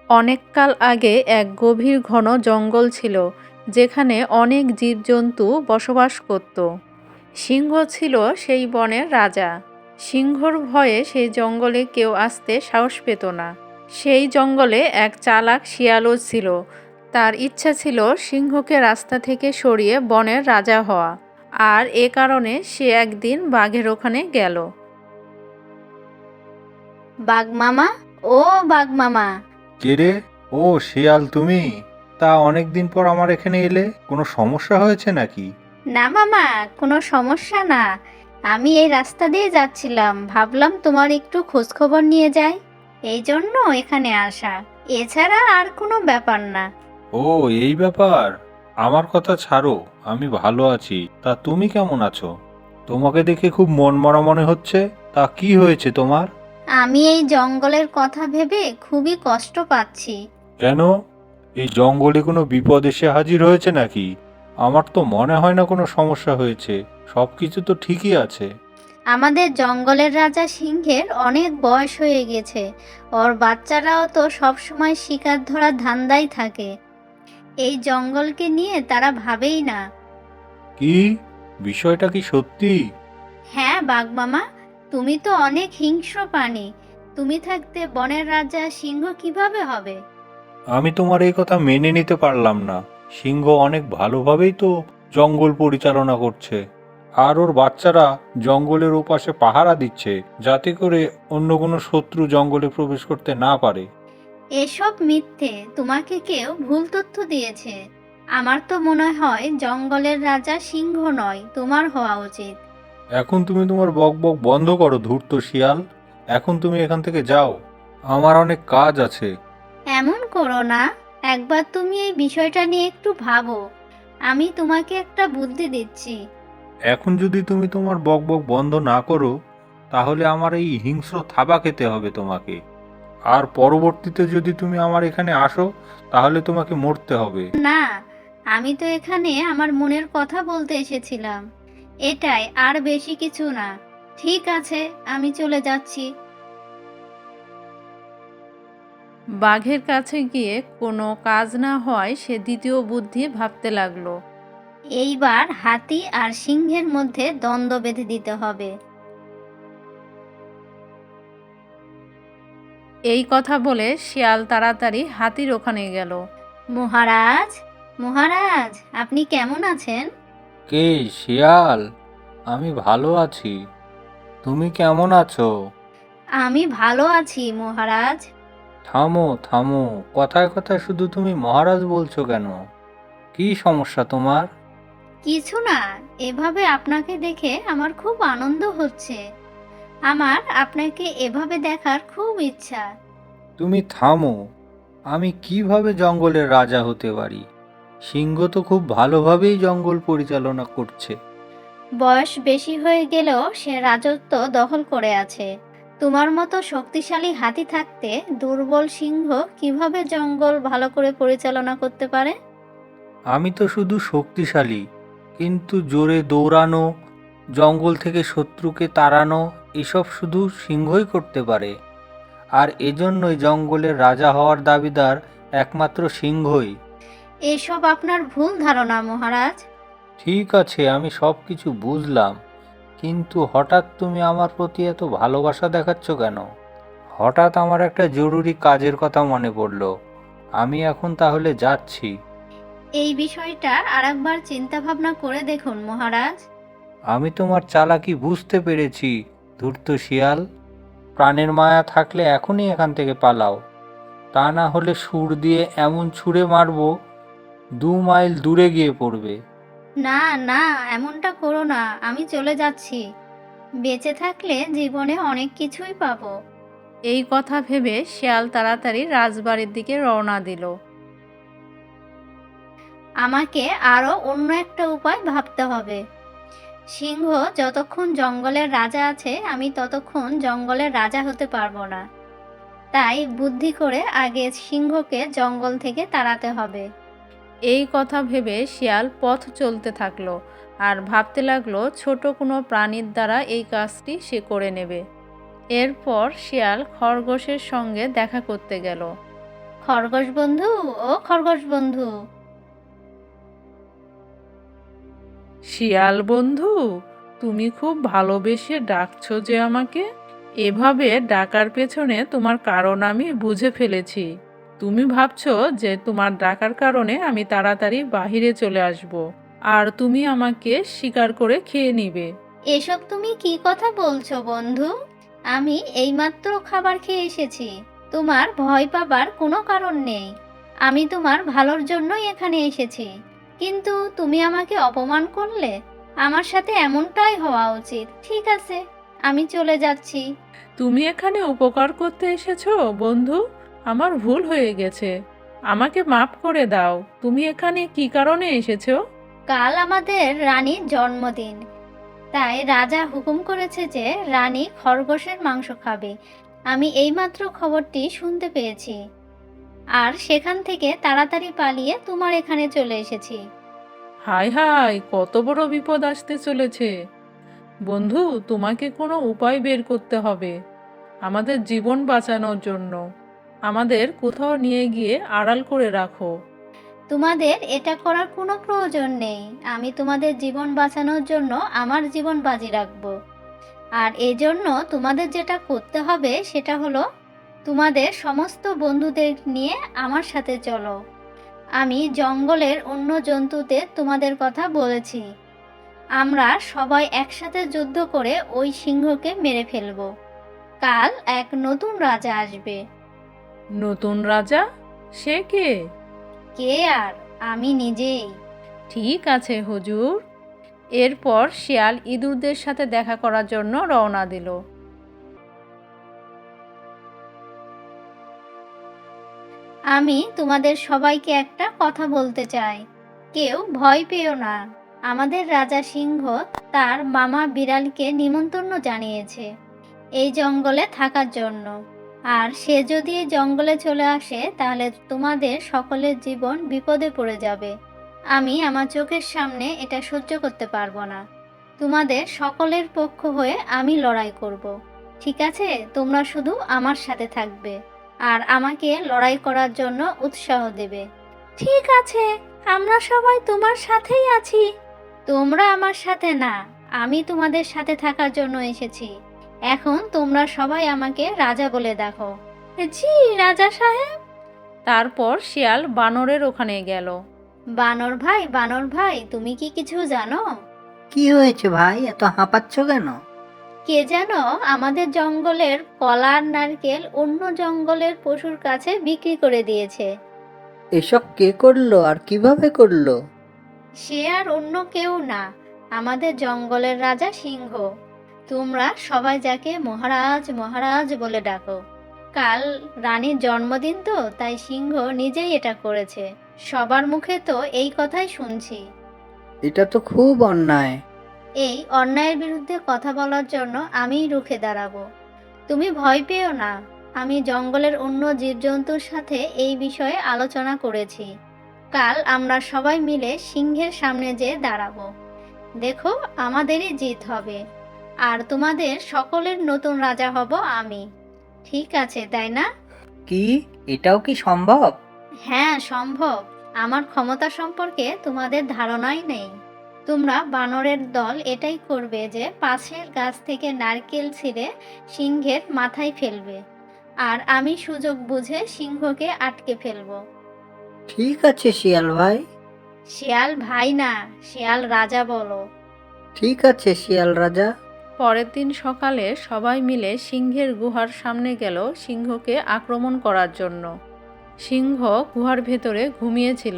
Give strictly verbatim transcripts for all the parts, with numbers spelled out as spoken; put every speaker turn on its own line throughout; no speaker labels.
অনেককাল আগে এক গভীর ঘন জঙ্গল ছিল, যেখানে অনেক জীবজন্তু বসবাস করত। সিংহ ছিল সেই বনের রাজা। সিংহর ভয়ে সেই জঙ্গলে কেউ আসতে সাহস পেত না। সেই জঙ্গলে এক চালাক শিয়ালও ছিল। তার ইচ্ছা ছিল সিংহকে রাস্তা থেকে সরিয়ে বনের রাজা হওয়া। আর এ কারণে সে একদিন বাঘের ওখানে গেল।
বাঘ মামা, ও বাঘ মামা।
কে রে? ও শিয়াল তুমি? তা অনেকদিন পর আমার এখানে এলে, কোনো সমস্যা হয়েছে নাকি?
না মামা, কোনো সমস্যা না। আমি এই রাস্তা দিয়ে যাচ্ছিলাম, ভাবলাম তোমার একটু খোঁজখবর নিয়ে যাই, এই জন্য এখানে আসা। এছাড়া আর কোনো ব্যাপার না।
ও, এই ব্যাপার। আমার কথা ছাড়ো, আমি ভালো আছি। তা তুমি কেমন আছো? তোমাকে দেখে খুব মনমরা মনে হচ্ছে। তা কি হয়েছে তোমার?
আমি এই জঙ্গলের কথা ভেবে খুবই কষ্ট পাচ্ছি।
কেন? এই জঙ্গলে কোনো বিপদ এসে হাজির হয়েছে নাকি? আমার তো মনে হয় না কোনো সমস্যা হয়েছে। সবকিছু তো ঠিকই আছে।
আমাদের জঙ্গলের রাজা সিংহের অনেক বয়স হয়ে গেছে। ওর বাচ্চারাও তো সব সময় শিকার ধরার ধান্দায় থাকে। এই জঙ্গলকে নিয়ে তারা ভাবেই না।
কি? বিষয়টা কি সত্যি?
হ্যাঁ বাঘ মামা, তুমি তো অনেক হিংস্র প্রাণী। তুমি থাকতে বনের রাজা সিংহ কিভাবে হবে?
আমি তোমার এই কথা মেনে নিতে পারলাম না। সিংহ অনেক ভালোভাবেই তো জঙ্গল পরিচালনা করছে। আর ওর বাচ্চারা জঙ্গলের ওপাশে পাহারা দিচ্ছে, যাতে করে অন্য কোনো শত্রু জঙ্গলে প্রবেশ করতে না পারে।
এসব মিথ্যে, তোমাকে কেউ ভুল তথ্য দিয়েছে। আমার তো মনে হয় জঙ্গলের রাজা সিংহ নয়, তোমার হওয়া উচিত।
এখন তুমি তোমার বক বক বন্ধ করো, ধূর্ত শিয়াল। এখন তুমি এখান থেকে যাও। আমার অনেক কাজ আছে।
এমন করো না। একবার তুমি এই বিষয়টা নিয়ে একটু ভাবো। আমি তোমাকে একটা বুদ্ধি দিচ্ছি।
এখন যদি তুমি তোমার বক বক বন্ধ না করো, তাহলে আমার এই হিংস্র থাবা খেতে হবে তোমাকে। আর পরবর্তীতে যদি তুমি আমার এখানে আসো, তাহলে তোমাকে মরতে হবে।
না, আমি তো এখানে আমার মনের কথা বলতে এসেছিলাম। এটাই, আর বেশি কিছু না। ঠিক আছে, আমি চলে যাচ্ছি।
বাঘের কাছে গিয়ে কোনো কাজ না হওয়ায় সে দ্বিতীয় বুদ্ধি ভাবতে লাগলো।
এইবার হাতি আর সিংহের মধ্যে দ্বন্দ্ব বেঁধে দিতে হবে।
এই কথা বলে শিয়াল তাড়াতাড়ি হাতির ওখানে গেল।
মহারাজ, মহারাজ, আপনি কেমন আছেন?
কে? শিয়াল? আমি ভালো আছি। তুমি কেমন আছো?
আমি ভালো আছি মহারাজ।
থামো থামো, কথায় কথায় শুধু তুমি মহারাজ বলছো কেন? কি সমস্যা তোমার?
কিছু না, এভাবে আপনাকে দেখে আমার খুব আনন্দ হচ্ছে। আমার আপনাকে এভাবে দেখার খুব ইচ্ছা।
তুমি থামো। আমি কিভাবে জঙ্গলের রাজা হতে পারি? সিংহ তো খুব ভালোভাবেই জঙ্গল পরিচালনা করছে।
বয়স বেশি হয়ে গেলেও সে রাজত্ব দখল করে আছে। তোমার মতো শক্তিশালী হাতি থাকতে দুর্বল সিংহ কিভাবে জঙ্গল ভালো করে পরিচালনা করতে পারে?
আমি তো শুধু শক্তিশালী, কিন্তু জোরে দৌড়ানো, জঙ্গল থেকে শত্রুকে তাড়ানো, এসব শুধু সিংহই করতে পারে। আর এজন্যই জঙ্গলের রাজা হওয়ার দাবিদার একমাত্র সিংহই।
এসব আপনার ভুল ধারণা মহারাজ।
ঠিক আছে, আমি সব কিছু বুঝলাম, কিন্তু হঠাৎ তুমি আমার প্রতি এত ভালোবাসা দেখাচ্ছ কেন? হঠাৎ আমার একটা জরুরি কাজের কথা মনে পড়লো। আমি এখন তাহলে যাচ্ছি।
এই বিষয়টা আরেকবার চিন্তা ভাবনা করে দেখুন মহারাজ।
আমি তোমার চালাকি বুঝতে পেরেছি, ধূর্ত শিয়াল। প্রাণের মায়া থাকলে এখনই এখান থেকে পালাও। তা না হলে সুর দিয়ে এমন ছুঁড়ে মারবো, দু মাইল দূরে গিয়ে পড়বে।
না না, এমনটা করো না, আমি চলে যাচ্ছি। বেঁচে থাকলে জীবনে অনেক কিছুই পাবো।
এই কথা ভেবে শিয়াল তাড়াতাড়ি রাজবাড়ির দিকে রওনা দিল।
আমাকে আরো অন্য একটা উপায় ভাবতে হবে। সিংহ যতক্ষণ জঙ্গলের রাজা আছে, আমি ততক্ষণ জঙ্গলের রাজা হতে পারবো না। তাই বুদ্ধি করে আগে সিংহকে জঙ্গল থেকে তাড়াতে হবে।
এই কথা ভেবে শিয়াল পথ চলতে থাকলো আর ভাবতে লাগলো ছোট কোনো প্রাণীর দ্বারা এই কাজটি সে করে নেবে। এরপর শিয়াল খরগোশের সঙ্গে দেখা করতে গেল।
খরগোশ বন্ধু, ও খরগোশ বন্ধু।
শিয়াল বন্ধু, তুমি খুব ভালোবেসে ডাকছো যে আমাকে। এভাবে ডাকার পেছনে তোমার কারণ আমি বুঝে ফেলেছি। তুমি ভাবছো যে তোমার ডাকার কারণে আমি তাড়াতাড়ি বাহিরে চলে আসব, আর তুমি আমাকে শিকার করে খেয়ে নিবে।
এসব তুমি কি কথা বলছো বন্ধু? আমি এইমাত্র খাবার খেয়ে এসেছি। তোমার ভয় পাবার কোনো কারণ নেই। আমি তোমার ভালোর জন্যই এখানে এসেছি। কিন্তু তুমি আমাকে অপমান করলে। আমার সাথে এমনটাই হওয়া উচিত। ঠিক আছে, আমি চলে যাচ্ছি।
তুমি এখানে উপকার করতে এসেছো বন্ধু? আমার ভুল হয়ে গেছে, আমাকে মাফ করে দাও। তুমি এখানে কি কারণে এসেছো?
কাল আমাদের রানীর জন্মদিন, তাই রাজা হুকুম করেছে যে রানী খরগোশের মাংস খাবে। আমি এইমাত্র খবরটি শুনতে পেয়েছি, আর সেখান থেকে তাড়াতাড়ি পালিয়ে তোমার এখানে চলে এসেছি।
হায় হায়, কত বড় বিপদ আসতে চলেছে! বন্ধু, তোমাকে কোনো উপায় বের করতে হবে আমাদের জীবন বাঁচানোর জন্য। আমাদের কোথাও নিয়ে গিয়ে আড়াল করে রাখো।
তোমাদের এটা করার কোনো প্রয়োজন নেই। আমি তোমাদের জীবন বাঁচানোর জন্য আমার জীবন বাজি রাখবো। আর এই জন্য তোমাদের যেটা করতে হবে সেটা হলো তোমাদের সমস্ত বন্ধুদের নিয়ে আমার সাথে চলো। আমি জঙ্গলের অন্য জন্তুদের তোমাদের কথা বলেছি। আমরা সবাই একসাথে যুদ্ধ করে ওই সিংহকে মেরে ফেলবো। কাল এক নতুন রাজা আসবে।
নতুন রাজা? সে কে?
কে আর, আমি নিজেই।
ঠিক আছে হুজুর। এরপর শিয়াল ইঁদুরদের সাথে দেখা করার জন্য রওনা দিল।
আমি তোমাদের সবাইকে একটা কথা বলতে চাই। কেউ ভয় পেও না। আমাদের রাজা সিংহ তার মামা বিড়ালকে নিমন্ত্রণ জানিয়েছে এই জঙ্গলে থাকার জন্য। আর সে যদি এই জঙ্গলে চলে আসে তাহলে তোমাদের সকলের জীবন বিপদে পড়ে যাবে। আমি আমার চোখের সামনে এটা সহ্য করতে পারবো না। তোমাদের সকলের পক্ষ হয়ে আমি লড়াই করব। ঠিক আছে, তোমরা শুধু আমার সাথে থাকবে আর আমাকে লড়াই করার জন্য উৎসাহ দেবে। ঠিক আছে, আমরা সবাই তোমার সাথেই আছি। তোমরা আমার সাথে না, আমি তোমাদের সাথে থাকার জন্য এসেছি। এখন তোমরা সবাই আমাকে রাজা বলে দেখো। জি রাজা সাহেব।
তারপর শিয়াল বানরের ওখানে গেল।
বানর ভাই, বানর ভাই, তুমি কি কিছু জানো?
কি হয়েছে ভাই, এত হাঁপাচ্ছ কেন?
কে যেন আমাদের জঙ্গলের কলার নারকেল অন্য জঙ্গলের পশুর কাছে বিক্রি করে দিয়েছে।
এসব কে করলো আর কিভাবে করলো?
সে আর অন্য কেউ না, আমাদের জঙ্গলের রাজা সিংহ। তোমরা সবাই যাকে মহারাজ মহারাজ বলে ডাকো। কাল রানীর জন্মদিন তো, তাই সিংহ নিজেই এটা করেছে। সবার মুখে তো এই কথাই শুনছি।
এটা তো খুব অন্যায়।
এই অন্যায়ের বিরুদ্ধে কথা বলার জন্য আমিই রুখে দাঁড়াবো। তুমি ভয় পেও না। আমি জঙ্গলের অন্য জীবজন্তুর সাথে এই বিষয়ে আলোচনা করেছি। কাল আমরা সবাই মিলে সিংহের সামনে যেয়ে দাঁড়াবো। দেখো, আমাদেরই জিত হবে। আর তোমাদের সকলের নতুন রাজা হব আমি। ঠিক আছে, তাই না?
কি, এটাও কি সম্ভব?
হ্যাঁ, সম্ভব। আমার ক্ষমতা সম্পর্কে তোমাদের ধারণাই নেই। তোমরা বানরের দল এটাই করবে যে পাশের গাছ থেকে নারকেল ছিঁড়ে সিংহের মাথায় ফেলবে, আর আমি সুযোগ বুঝে সিংহকে আটকে ফেলবো।
ঠিক আছে শিয়াল ভাই।
শিয়াল ভাই না, শিয়াল রাজা বলো।
ঠিক আছে শিয়াল রাজা।
পরের দিন সকালে সবাই মিলে সিংহের গুহার সামনে গেল সিংহকে আক্রমণ করার জন্য। সিংহ গুহার ভেতরে ঘুমিয়েছিল।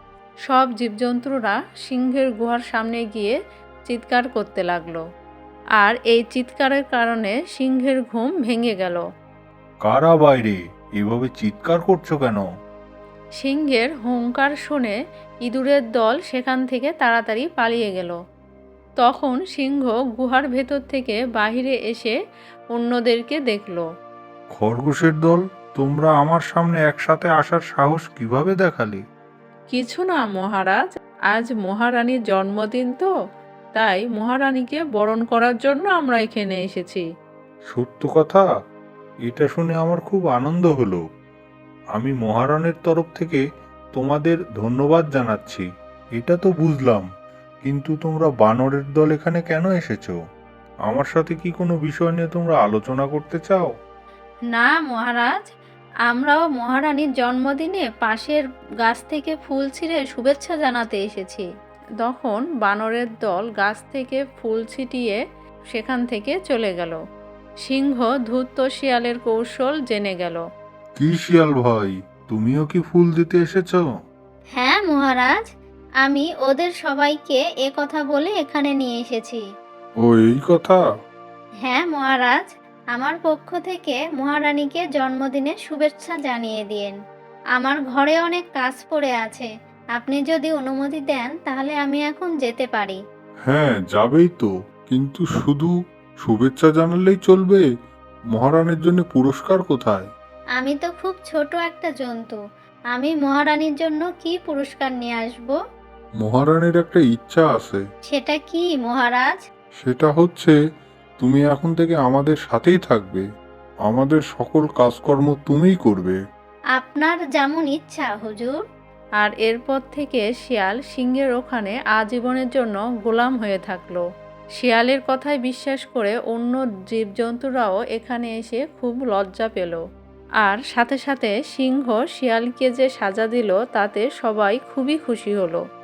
সব জীবজন্তুরা সিংহের গুহার সামনে গিয়ে চিৎকার করতে লাগলো, আর এই চিৎকারের কারণে সিংহের ঘুম ভেঙে গেল।
কারা বাইরে? এভাবে চিৎকার করছো কেন?
সিংহের হুংকার শুনে ইঁদুরের দল সেখান থেকে তাড়াতাড়ি পালিয়ে গেল। তখন সিংহ গুহার ভেতর থেকে বাহিরে এসে অন্যদেরকে দেখল।
খরগোশের দল, তোমরা আমার সামনে একসাথে আসার সাহস কিভাবে দেখালে?
কিছু না মহারাজ, আজ মহারানীর জন্মদিন তো, তাই মহারানীকে বরণ করার জন্য আমরা এখানে এসেছি।
সত্য কথা? এটা শুনে আমার খুব আনন্দ হলো। আমি মহারানের তরফ থেকে তোমাদের ধন্যবাদ জানাচ্ছি। এটা তো বুঝলাম, কিন্তু তোমরা বানরের দল এখানে কেন এসেছো? আমার সাথে কি কোনো বিষয় নিয়ে তোমরা আলোচনা করতে চাও?
না মহারাজ, আমরাও মহারানীর জন্মদিনে পাশের গাছ থেকে ফুল ছিঁড়ে শুভেচ্ছা জানাতে এসেছি। তখন বানরের দল গাছ থেকে ফুল ছিটিয়ে সেখান থেকে চলে গেল। সিংহ ধূর্ত শিয়ালের কৌশল জেনে গেল।
কি শিয়াল ভাই, তুমিও কি ফুল দিতে এসেছো?
হ্যাঁ মহারাজ, আমি ওদের সবাইকে এ কথা বলে এখানে নিয়ে এসেছি।
ও এই কথা।
হ্যাঁ মহারাজ, আমার পক্ষ থেকে মহারানীকে জন্মদিনের শুভেচ্ছা জানিয়ে দিন। আমার ঘরে অনেক কাজ পড়ে আছে, আপনি যদি অনুমতি দেন তাহলে আমি এখন যেতে পারি।
হ্যাঁ যাবেই তো, কিন্তু শুধু শুভেচ্ছা জানালেই চলবে? মহারানীর জন্য পুরস্কার কোথায়?
আমি তো খুব ছোট একটা জন্তু, আমি মহারানীর জন্য কি পুরস্কার নিয়ে আসব?
মহারানীর একটা ইচ্ছা আছে।
সেটা কি মহারাজ?
সেটা হচ্ছে তুমি এখন থেকে আমাদের সাথেই থাকবে, আমাদের সকল কাজকর্ম তুমিই করবে।
আপনার যেমন ইচ্ছা হুজুর।
আর এরপর থেকে শিয়াল সিংহের ওখানে আজীবনের জন্য গোলাম হয়ে থাকলো। শিয়ালের কথায় বিশ্বাস করে অন্য জীবজন্তুরাও এখানে এসে খুব লজ্জা পেল। আর সাথে সাথে সিংহ শিয়ালকে যে সাজা দিল তাতে সবাই খুবই খুশি হলো।